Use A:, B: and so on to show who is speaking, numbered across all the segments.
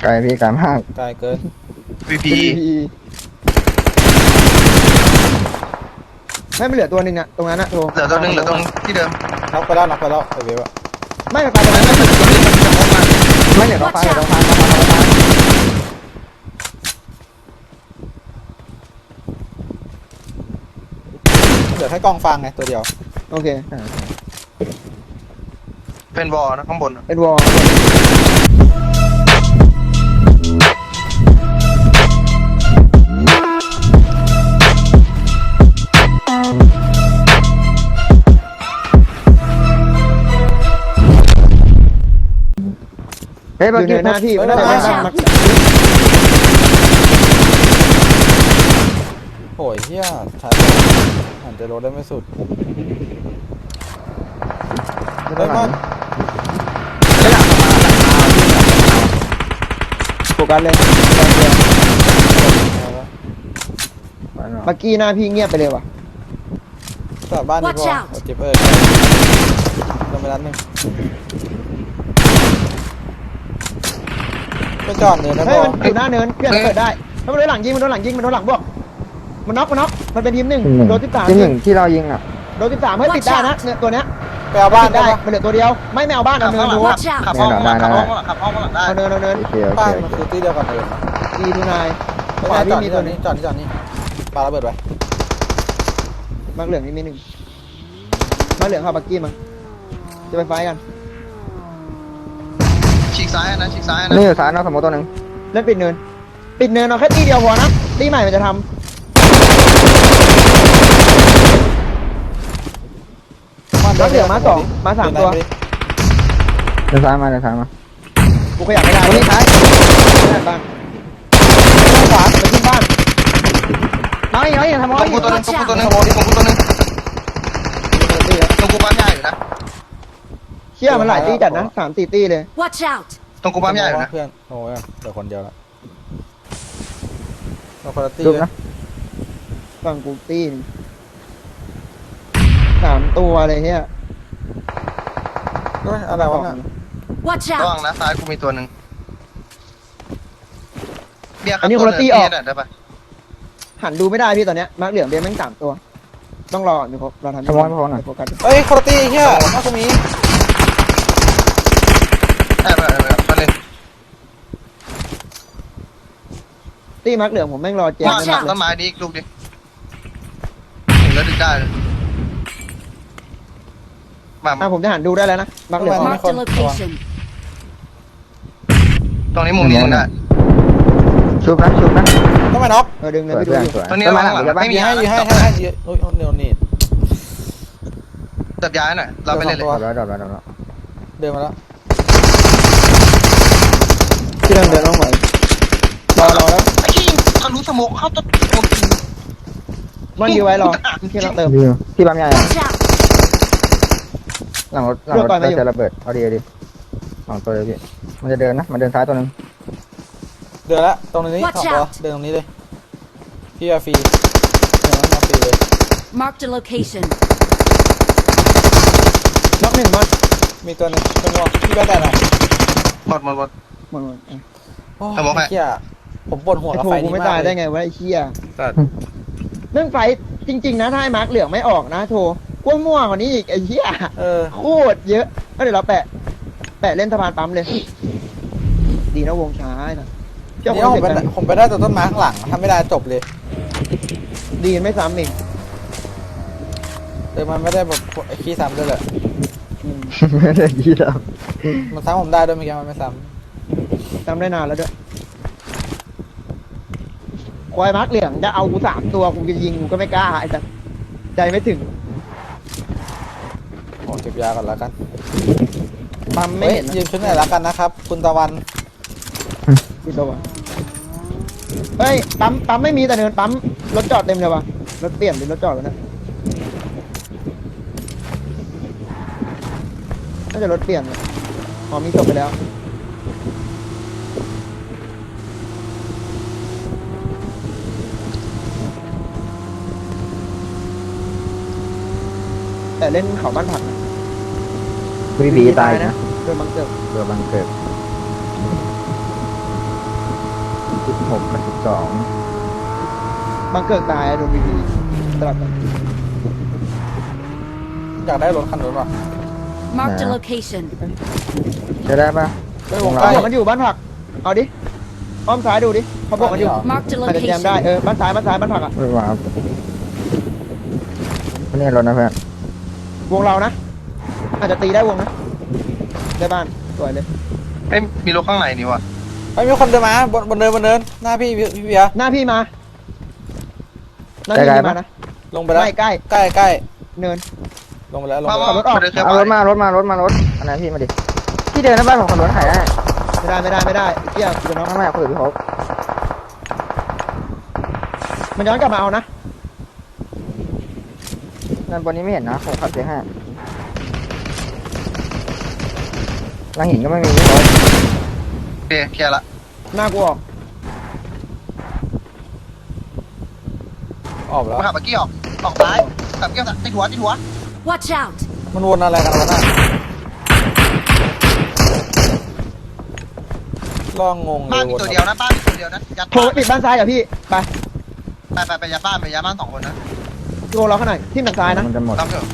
A: ไกลพี่ไกลมาก
B: ไกลเกิน
C: วีพี
D: ไม่เหลือตัวหนึ่งอะตรงนั้นอะโทร
C: เหลือตัวหนึ่งเหลือตรงที่เดิม
B: น็อกไปแล้วไอเวฟอะ
D: ไม่ไปตรงนั้น
A: ไม่เหลือท้องฟ้าเหลือท้องฟ้า
B: เหลือแค่กองฟางไงตัวเดียว
D: โอเค
C: เป็นวอลนะข้างบน
D: เป็นวอล
A: เฮ้ย
D: อ
A: เมื่อยู่ กี้
D: ในหน้าพี่ไม่ได้ในบ้านมัก
B: โอ้ยเฮียใช้หันจะรถได้ไม่สุด
A: ไม่ต้องหลัง
D: โฟกัสเลยมักกี้หน้าพี่เงียบไปเลยว่ะ
B: กลับบ้านดีก
E: Watch
B: ว่า
E: out
B: เจ็บลงไปนัดหนึ่งไปจอดเนินนะ
D: เฮ้
B: บ
D: ย
B: อ
D: มันอยู่หน้าเนินเพื่อนเปิดได้ถ้ามันโดนหลังยิงมันโดนหลังยิงมันโดนหลังบวกมันน็อกมันเป็นทีมหนึ่งโดน13
A: ที่หนึ่งที่เรายิงอ่ะ
D: โดน13เฮ้ยปิดได้นะเนี่ยตัวเนี้ย
B: ไปเอาบ้าน
D: ปิด
B: ได้
D: ได้
B: ปะ
D: มันเหลือตัวเดียวไม่เอาบ้านเอาเนินดู
E: Watch out
C: ขับห้องข้างหลังขับห้องข้างหลังขับห้องข้างหลังได้
D: เอาเนิน
A: โอเคโอ
B: บ้าน
A: เค
B: มันคือที่เดียวกันเลย
D: ดีทูนาย
B: ไม่
D: ไม่
B: ได้
D: ได้
B: จอด
D: พี่มี
B: นี่จ
D: ตั
B: อ
D: ว
B: ด
D: นี้
B: นี่จอดนี่จอดนี่ปาระเบิดไว้
D: มักเหลืองนี่มีหนึ่งมักเหลืองเข้าบักกี้มั้งจะไปไฟกัน
C: ฉีกซ้ายนะฉีกซ้ายนะ
A: นี่อยู่ซ้ายนอกสมมติตัวหนึ่ง
D: เล่นปิดเนินเอาแค่ตีเดียวพอนะตีใหม่มันจะทำมักเหลืองมา2มา3ตัว
A: เดินซ้ายมา
D: กูขยับไม่ได้
A: ตัวนี้ท้าย
D: บ้างขวาไปขึ้นบ้าน
A: น้อยทำ
C: ต
A: น้
C: ร
A: อย
C: งกูตัวหนึงตรงกูตัวหนึงตรงกูตัวหนึงตรงกูปั๊มใหญ่อยู่นะ
D: เชี่ยมันหลายตีจัดนะ3-4ตีเลย
E: Watch out
C: ตรงกูปั๊มใหญ่อยู่นะ
B: เพื่อนโอ้ยเดี๋ยวคนเดียวละเราคนละตี
A: จุบ
B: เลย
A: นะ
D: ฝั่งกูตีน3ตัวเลยเฮีย
B: เฮ้ยอะไรวะเนี่ย
E: Watch
C: ระวัง
E: out
C: นะซ้ายกูมีตัวหนึ่งเบียร์ครับได้ปะ
D: หันดูไม่ได้พี่ตอนเนี้ยมาร์กเหลืองเบี้ยแม่ง3ตัวต้องรอมีครบเราทำโฟกัส
B: เฮ้ยคนละตีเฮียน่าจะมี
C: มาเลย
D: ตีมาร์กเหลืองผมแม่งรอแจม
C: ว่า
D: ไม่มากเล
C: ต้น
D: ย
C: ไม้ดีอีกลูกดิแล้วดึงได้เลยมา
D: ผมจะหันดูได้แล้วนะมาร์กเหลือง
E: Marked a location
C: ตรงนี้มุมนี้ดึงได้
A: ชุบนะ
B: ต้องมาน็อก
D: ดึงเลย
A: สวย
D: พี่ดู
A: เพื่อน
D: อยู่
A: สวย
C: ตรงนี้
A: ต้น
C: ระ
A: ไม้
C: วั
A: หลั
C: ง
A: ง
C: หลัง
A: เดี๋ยวบ้าน
C: ไม่มี
B: ให้เยอะโอ้ยเดี๋ยวนี่
C: จับย้ายหน่อยเราไปเล่นเลย
A: ดอก
B: เดินมาแล้ว
D: ที่เดินต้องไหวรอแล้ว
C: ไอ้ขี้ทะลุสมองเข้าต้น
D: มันอยู่ไว้รอที่เราเติม
A: ที่ปั๊มใหญ่
E: Watch out
A: หลังรถจะระเบิดเอาดี2ตัวเลยพี่มันจะเดินนะมันเดินซ้ายตัวหนึ่ง
B: เดินละตรงนี้
E: Watch
B: 2 ตัว
E: out
B: เดินตรงนี้เลยพี่อาฟรีเดินมาฟรีเลย
E: Marked a location
D: น็อก1มัน
B: มีตัวนึงเป็นวอพี่แบ๊ดได้ไหม
C: หมด
D: หมด
B: โอ้
C: ทำบอกให้
B: เฮียผมปวดหัว
D: ไอ้
B: กับ
D: โถ
B: ไฟ
D: กู
B: นี้
D: ไม่
B: มาก
D: ตาย
B: เล
D: ได้
B: ย
D: ไงวะไอ้เชี่ย
B: แต่
D: เรื่องไฟจริงๆนะถ้าไอ้มาร์กเหลืองไม่ออกนะโถกล้วยม่วงกว่านี้อีกไอ้เชี่ย โคตรเยอะก็เดี๋ยวเราแปะเล่นสะพานปั๊มเลย ดีนะวงช้านะเจ้า
B: นี่
D: คน
B: ผม
D: เด็ก
B: ไป
D: กัน
B: ผมไปได้ตัวต้นไม้ข้างหลังทำไม่ได้จบเลย
D: ดีไม่ซ้ำอีก
B: แต่มันไม่ได้แบบไอ้ขี้ซ้ำด้วยแหละ
A: ไม่ได้ยี่ดับ
B: มันซ้ำผมได้ด้วยเมื่อกี้มันไม่ซ้
D: จำได้นานแล้วด้วยควายมาร์กเหลืองจะเอากู3ตัวกูจะยิงกูก็ไม่กล้าไอ้สัสใจไม่ถึง
B: ำโอ้เก็บยาก่อนแล้วกัน
D: ปั๊มไม่
B: เฮ้ย
D: เห็นนะ
B: ยืมชุดไหนแล้วกันนะครับ คุณตะวัน
D: ดูตัววะเฮ้ยปั๊มไม่มีแต่เนินปั๊มรถจอดเต็มเลยวะรถเปลี่ยนหรือรถจอดวะเนี่ยน่าจะรถเปลี่ยนอ๋อมีจบไปแล้วแต่เล่นเขาบ้านผักนะ
A: วีบีตายนะ
D: โดนบังเกิด
A: เรือบังเกิด 16กับ12
D: บังเกิดตายโดนบีบีสลับกัน
B: อยากได้รถคันนู้นป่ะ
E: Marked a
A: Nah.
E: location.
A: ใช้ได้ปะ
B: ไม่วง
A: เรา
B: ใกล้
D: มันอยู่บ้านผักเอาดิอ้อมซ้ายดูดิเขาบอกมันอยู่
E: Marked a
D: อาจจะแจมได้
E: location.
D: บ้านซ้ายบ้านผักอ่ะ
A: ไม่ว่านี่รถนะเพื่อน
D: วงเรานะอาจจะตีได้วงนะได้บ้านสวยเลย
C: เอ้ยมีรถข้างในนี่วะ
B: ไอ้ยมีคนเดินมาบนเนินหน้าพี่เบียร์
D: หน้าพี่มาหน้าพี่มานะ
B: ลงไปแล้ว
D: ใกล้
B: ใกล้
D: เนิน
B: ลงไปแล้วลง
C: มา
B: ไป
C: มา
B: แล้ว
C: มาเดินเคย
A: เอารถมารถอันนั้นพี่มาดิพี่เดินหน้าบ้านของคนรถถ่ายได้
D: ไม่ได้เกี่ยเดี๋ยวน้อง
A: ไม่คุยกับพี่เขา
D: มันย้อนกลับมาเอานะ
A: นั่นบนนี้ไม่เห็นนะผมขับเจ๊ห้าหลังหินก็ไม่มีพี่เขา
C: โอเคเคลียร์ละ
D: หน้ากูออก
B: ออกแล้ว
C: มาขับเมื่อกี้ออกซ้ายขับเกี้ยวติดหัว
E: Watch out!
B: มันวนอะไรกันวะน่ะล่องงงเล
C: บ้าน
B: ย
C: มี
B: วน
C: ตัวเดียวนะบ้านมีตัวเดียวนะยัด
D: โทรไปปิดบ้านซ้ายกับพี่ไป
C: ไปยัดบ้าน2 คนนะ
D: โทรเราข้างในที่หนังซ้ายนะ
A: มันจะหมด
C: รับเถอะ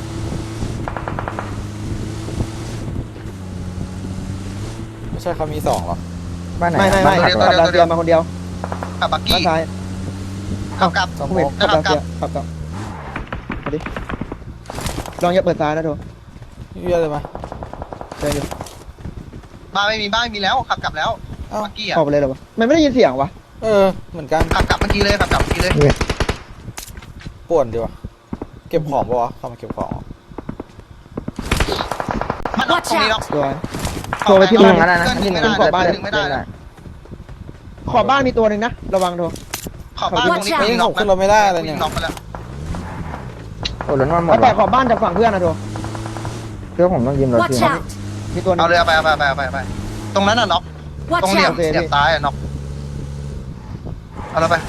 B: ไม่ใช่เขามี2หรอ
A: บ้านไหน
D: ไม่
A: บ้าน
D: ขับดาวเทียมมาคนเดียว
C: ขับบักกี้
D: บ้านซ้าย
C: ขับกลับ
B: สม
D: ผม
B: ม
D: เห็น
B: ติ
D: ขับดาวเทียมขับต่อมาดิลองอย่าเปิดซ้ายนะโทร
B: พี่เบียร์เลยมา
D: เดินอยู่
C: บ้านไม่มีแล้วขับกลับแล้วบักกี้อ่ะ
D: ออกไปเลยเหรอวะมันไม่ได้ยินเสียงวะ
B: เหมือนกัน
C: ขับกลับเมื่อกี้เลย
B: ป่วนดีว่ะเก็บของปะวะเข้ามาเก็บของ
C: มันน็อกตรงนี้น็อก
D: สวยโทรไปที่
A: ที่
D: บ้า
A: มึ
D: น
A: งอะไรนะ
C: ยิงไม่ได้
D: ขอบบ้าน
C: ยิงไม่ได้
D: ขอบบ้านมีตัวหนึ่งนะระวังโทร
C: ขอบบ้านตรงนี้
B: เฮ้ยผมขึ้นรถไม่ได้อะไรเนี่ย
C: น็อกไปแล้ว
A: โอ้รถมันหมด
D: แล้วแต่
A: ว่ะ
D: ขอบบ้านจากฝั่งเพื่อนนะโทร
A: เพื่อผมต้องยืมรถ
E: Watch
A: พี่
E: out!
D: มีตัวหนึ
C: เอา
D: ง
C: เลยไปตรงนั้นน่ะน็อกตรง
E: Watch
C: เหลี่ยม
E: out!
C: ซ้ายอ่ะน็อกเอาแล้วไป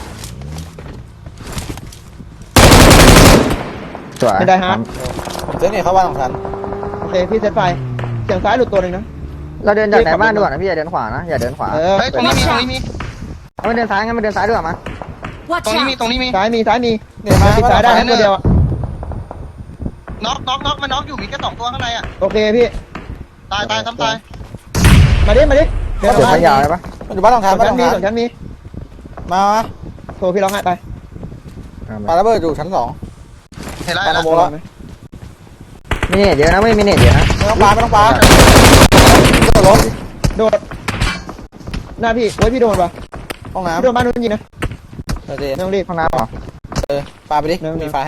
A: สวย
D: เป็นไดฮาร์ด
B: ผมเจ๊เนี่ยเข้าบ้านของฉัน
D: โอเคพี่เซตไฟเสียงซ้ายหลุดตัวหนึ่งนะ
A: เราเดินจากไหนบ้านดีกว่านะพี่อย่าเดินขวานะอย่าเดินขวา
D: เออ
C: เฮ้ยตรงนี้มี
A: เอาไปเดินซ้ายงั้นไปเดินซ้ายดีกว่ามา
E: Watch
C: ตรงนี้มี
E: out!
C: ตรงนี้มี
D: ซ้ายมี
B: เนี่ยมา
D: ติดซ้ายได้ทั้งตัวเดียวอะ
C: น็อกมันน็อกอยู่มีแค่2 ตัวข้างในอ่ะ
D: โอเคพี่
C: ตายซ้ำตาย
D: มาดิเดิน
A: เดี๋ยว
D: มา
A: ไม่ยาวเลยปะ
B: มันอยู่บ้านของฉัน
D: ส่วน
B: บ้าน
D: ชั้
B: ข
D: น
B: อง
D: มี
B: ฉัน
D: ส่วนชั้นมี
B: มา
D: โทรพี่ร้องไห้ไป
B: ปาระเบิดอยู่ชั้น2
C: เห็นแล้ว
B: ปาระโบแล้ว
A: มีเน็ตเยอะนะไม่มีเน็ตเยอะนะ
B: ไม่ต้องปาโดดรถ
D: โดดหน้าพี่โอ้ยพี่โดนปะ
B: ห้องน้
D: พี่โดนบ้านนู้นยิงนะ
B: ำเดี๋ยวเจ๊
D: ไม่ต้องรีบ
A: ห้องน้ำเหรอ
B: ปาไปดิมีไฟให้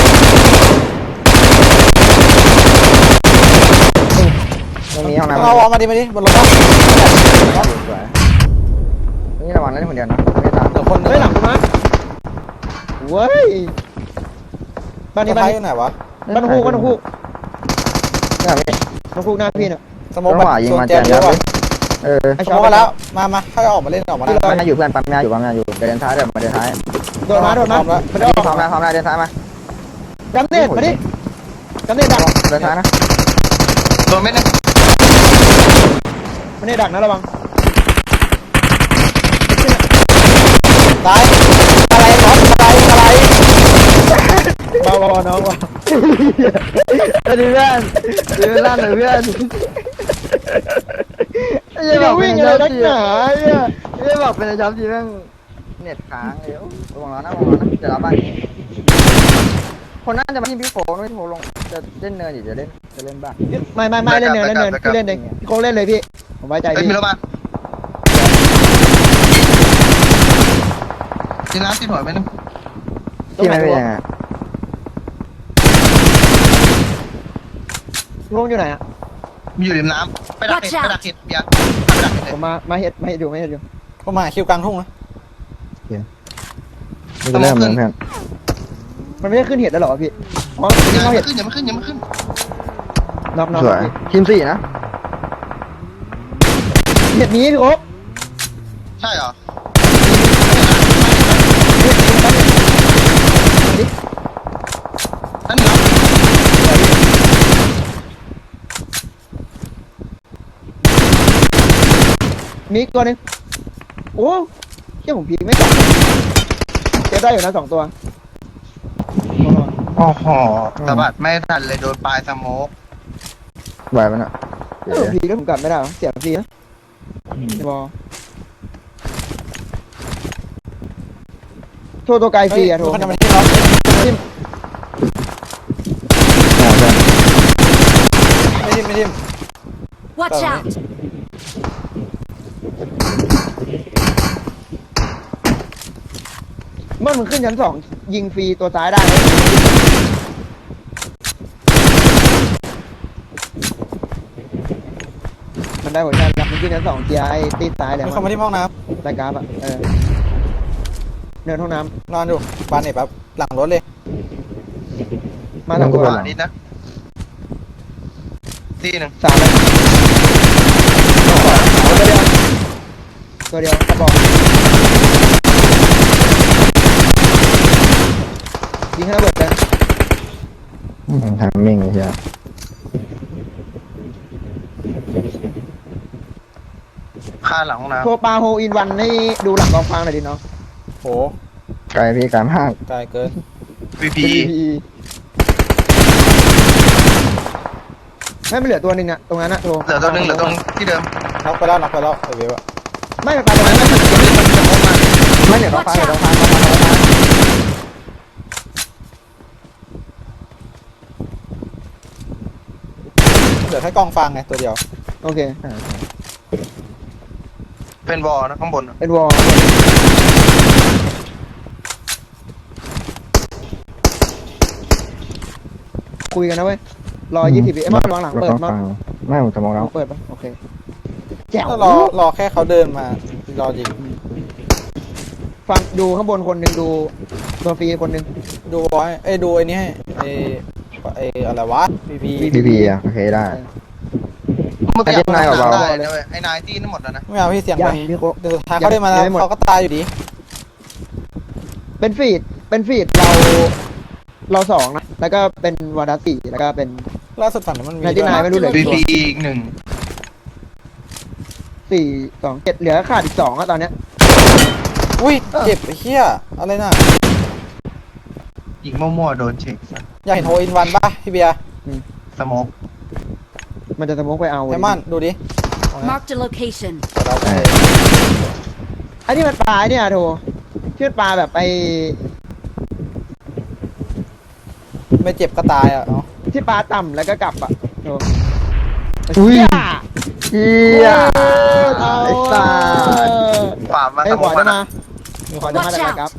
A: ไม่มีห้องน้ำ
B: เอาวอลมาดิบนรถ
A: สวยนี่ระวังเล่นคนเดียวนะไม่ตาม
B: เดี๋ยวคน
D: เฮ้ยหลังกูมาเว้ยบ้านนี้
B: ไฟ
D: บ้าน
B: อ
D: นี้
B: ยู่ไหนวะ
D: บ้านฮูกบ้านฮูก
A: นี่แบบนี้
D: บ้านฮูกหน้าพี่เนี่ย
B: สมม
A: ร
B: ติ
A: ถขวายิงมา
B: แจ
A: แจ
B: ม
A: ม
B: เย
A: ยั
B: อะ
A: บ
B: ว่ะ
A: เออ
D: ไอ้
B: ส
D: ช
B: ม
D: อ
B: ม
D: บ
B: ติแล้วมาให้ออกมาเล่นออกมาได้
A: ปั๊มยาอยู่เพื่อนปั๊มยาอยู่เดินท้ายเดี๋ยวมาเดินท้าย
D: โดนมามันจะออก
A: พร้อมแล้วเดินท้ายมา
D: จำเน็ตมาดิจำเน็ตดัก
A: เดินท้ายนะ
C: โดนเม็ดนึง
D: มันเน็ตดักนะระวัง
B: ตายอะไรน็อตอะไร
D: เบาๆน้องว่ะ
A: เพื่อนเดินลั่นเลยเพื่อน
D: จะวิ่งอะไรนักหนาเนี่ย
A: ไม่บอกเป็นช็อปทีแม่งเน็ตค้างเดี๋ยววงล้อนะเดี๋ยวเราบ้านนี้คนน่าจะมาที่พี่โฟด้วยพี่โฟลงจะเล่นเนินหรือจะเล่นบ้าน
D: ไม่เล่นเนินพี่เล่นเองพี่โค้งเล่นเลยพี่ผมไว้ใจ
C: เฮ้ย
D: พี่
C: มีรถมาทีน้ำติดหัวไปนึง
A: ที่ไม่เป็นยังไง
D: โค้งอยู่ไหนอ่ะ
C: มีอยู่ริมน้ำไปดักเห็ดเบียร์ไปดักเห็ด
D: ผมมาเฮ็ดอยู่
B: ก็มาคิวกลางทุ่งนะ
A: นี่ก็เริ่มเหมือนเพื่อน
D: มันไม่ได้ขึ้นเห็ดแล้วหรอพี่อ๋อ
C: อย่า
D: เข้า
C: มา
D: เห็ด
C: ขึ้นอย่ามาขึ้นอย่ามาขึ้น
D: น็อก
A: สวยทีม4นะ
D: เห็ดนี้พี่โอ๊ค
C: ใช่เหรอนั่นเหรอ
D: มีตัวนึงโอ้เชี่ยผมพีไม่กลับเก็บได้อยู่นะ2 ตัว
C: โอ้โหสะบัดไม่ทันเลยโดนปลายสโมก
A: ไหวมันอ่ะ
D: เออพีก็ผมกลับไม่ได้หรอเสียฟรีนะบอลโทรตัวไกลฟรีอะโทร
B: มันจะมาที่เรา ไม่ทิม
E: Watch out!
D: เมื่อมันขึ้นชั้น2ยิงฟรีตัวซ้ายได้ไหมมันได้หัวใจแล้วมันขึ้นชั้น2เกียร์ไอ้ตีซ้ายเลย
B: มันเข้ามาที่ห้องน้
D: รายการอะเดินห้องน้
B: ำนอนอยู่บานเน็ตแบบหลังรถเลย
D: ำมา2 ตัว
C: ขวานิดนะตีหนึ่ง
D: 3เลยตัวเดียวกระบอกยิงให้ระเบิดเลย
A: ทางมิ่งไอ้เหี้ย
C: ค่าหลังห้องน้
D: โทรปลาโฮอินวันให้ดูหลังกองฟางหน่อยดิเนาะ
B: โห
A: ไกลพี่ไกลมาก
B: ไกลเกิน
C: ำ VP
D: ไม่เหลือตัวหนึ่งอะตรงนั้นอะโทร
C: เหลือตัวหนึงเหลือตรงที่เดิม
B: น็อกไปแล้วไอเวฟอะ
D: ไม่ปลาตรงนั้นไม่
A: ไม่เดี๋ยวต้องฟังเดี๋ยวต้องฟัง
B: เหลือแค่กองฟางไงตัวเดียว
D: โอเค
C: เป็นวอลนะข้างบน
D: เป็นวอลคุยกันนะเว้ย120 วิไอ้มอนระวังหลังเปิดมอน
A: ไม่ผมจะมองแล้ว
D: เปิดปะโอเคแจ๋ว
B: ก็รอแค่เขาเดินมารอยิง
D: ฟังดูข้างบนคนหนึ่งดูตัวฟรีคนหนึ่ง
B: ดูไว้ดูไอ้นี่ให้ไออะไรวะพี
A: พี่อ่ะโอเคได้
C: เมื่อกี้
A: ไอ้นายกับเรา
C: ได้นะเว้ยไอ้นายตีนั่นหมดแล้วนะ
B: ไม่เอาพี่เสียง
D: ยั
B: ไป
D: งพี่โค
B: เดี๋ยวสุดท้ายเขาได้มาแล้วเขาก็ตายอยู่ดี
D: เป็นฟีดเรา2นะแล้วก็เป็นวาดัส4แล้วก็เป็น
B: ล่าสุดฝั่งนั้นมันมี
D: นายที่นายไม่รู้เลย
C: VP อีกหนึ่ง
D: 4 2 7เหลือขาดอีก2อะตอนเนี้ย
B: อุ้ยเจ็บไอ้เหี้ยอะไรน่ะ
C: อีกมั่วๆโดนเช็ค
B: อยากเห็นโฮอินวันป่ะพี่เบียร์
C: สโมก
D: มันจะสมมติไปเอา
B: ไอมอนดูดิ
E: Marked a location.
D: ไอ้นี่มันปลาเนี่ยโถชื่อปลาแบบไอ้
B: ไม่เจ็บก็ตายอ่ะเนาะ
D: ที่ปลาต่ำแล้วก็กลับอ่ะโถ
A: อุ้ย
D: เหี้ย
A: เหี้ยไอ้สัส
C: ขวามา
D: ไอ้
C: ส
D: ข
C: โม
D: วาก จะ
C: นะ
D: มาขวาจะมาจากไหนครับ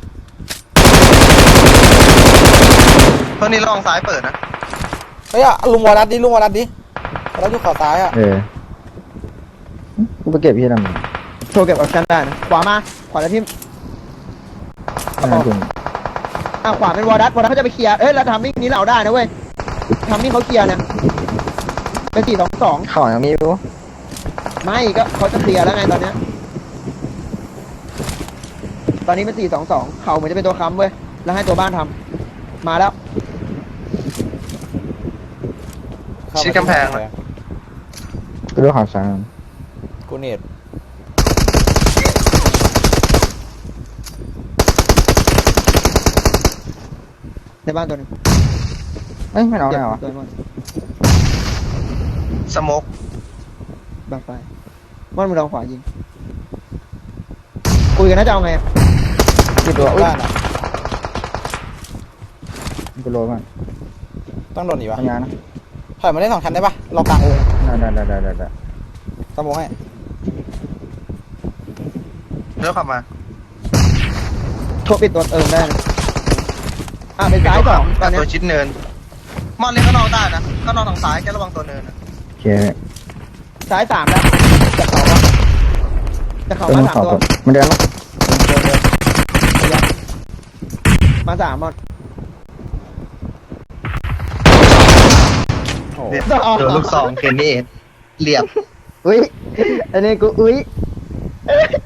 C: ตัวนี้ลองซ้ายเปิดนะ
B: เฮ้ยลุงวอลัดดิวอลัดอยู่ขวาซ้ายอ่ะ
A: กูไปเก็บพี่ทำไม
D: โชว์เก็บออปชั่นได้นะขวามาขวาแล้วทิม
A: ไม่คุณ
D: ขวาเป็นวอร์ดัสเขาจะไปเคลียร์แล้วทำมิ่งนี้เราได้นะเว้ยทำมิ่งเขาเคลียร์เนี่ยเป็น4-2-2
A: เข่ายังมีอยู่
D: ไม่ก็เขาจะเคลียร์แล้วไงตอนเนี้ยตอนนี้เป็น4-2-2เขาเหมือนจะเป็นตัวค้ำเว้ยแล้วให้ตัวบ้านทำมาแล้ว
C: ชิดกำแพงเลย
A: กูดูข่าวสาร
B: กูเน็ต
D: ในบ้านตัวหนึง
A: เอ้ยไม่เอา
D: เจ็
A: ได้
D: บ
A: เหรอ
D: ตัวมัน
C: สโมก
D: บังไฟมันมือเราขวายิงคุยกันนะจะเอาไงอะ
A: กี่ตัวอุ้ย
B: บ้านอ่ะ
A: กูโลมัน
B: ต้องโดนอีกวะ
A: ทำงานนะ
B: ถอยมาได้2 ชั้นได้ปะรอกลางวง
A: ได้
B: สมองให้
C: เลือกขับมา
D: โทรปิดตัวได้นะเป็นซ้าย2ตอน
C: กับ
D: เนี้ย
C: ตัวชิดเนินมอนเล่นข้างนอกได้นะข้างนอกทางซ้ายแค่ระวังตัวเนินนะ
A: โอเค
D: ซ้าย3แล้วจากเขาวะจากเขา
A: เติ
D: มาม
A: ข่าว
D: 3ตัว
A: มันเดินแล้ว
D: มา3หมด
B: โอ้
C: เนี่ยโดนลูกซองเคนนี่เรียบ
A: อุ้ยอันนี้กูอุ้ย